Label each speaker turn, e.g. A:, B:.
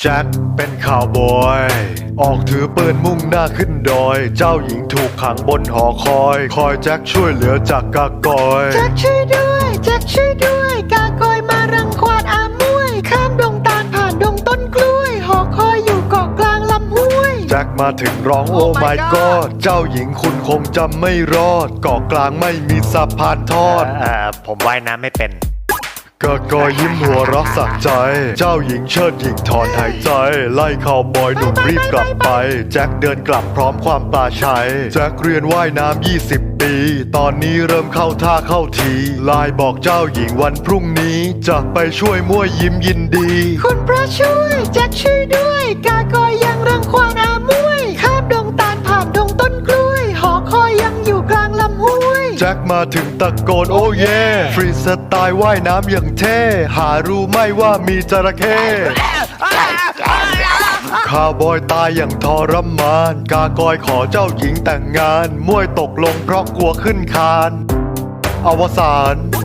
A: แจ็คเป็นข่าวบอยออกถือปืนมุ่งหน้าขึ้นดอยเจ้าหญิงถูกขังบนหอคอยแจ็คช่วยเหลือจากกากอย
B: แจ็คช่วยด้วยแจ็คช่วยด้วยกากอยมารังควานอามวยข้ามดงตาลผ่านดงต้นกล้วยหอคอยอยู่เกาะกลางลำห้วย
A: แจ็คมาถึงร้องโอ้ my god เจ้าหญิงคุณคงจำไม่รอดเกาะกลางไม่มีสะพานทอด
C: ผมว่ายน้ำไม่เป็น
A: กากอยยิ้มหัวเรักสักใจเจ้าหญิงเชิดหญิงถอนหายใจไล่ข่าวบอยหนุ่มรีบกลับไปแจ็คเดินกลับพร้อมความปลาชัยแจ็คเรียนว่ายน้ำ20 ปีตอนนี้เริ่มเข้าท่าเข้าทีไลน์บอกเจ้าหญิงวันพรุ่งนี้จะไปช่วยมั่วยิ้มยินดี
B: คุณพระช่วยแจ็คช่วยด้วยกากอยยังรังควานอามวยข้ามดงตาลผ่านดงต้นกล้วยหอคอยยังอยู่กลางลำห้วย
A: แจ็คมาถึงตะโกนโอ้เย่ฟรีสไตล์ว่ายน้ำอย่างเท่หารู้ไหมว่ามีจระเข้ข้าวบอยตายอย่างทรมานกากอยขอเจ้าหญิงแต่งงานมวยตกลงเพราะกลัวขึ้นคานอวสาน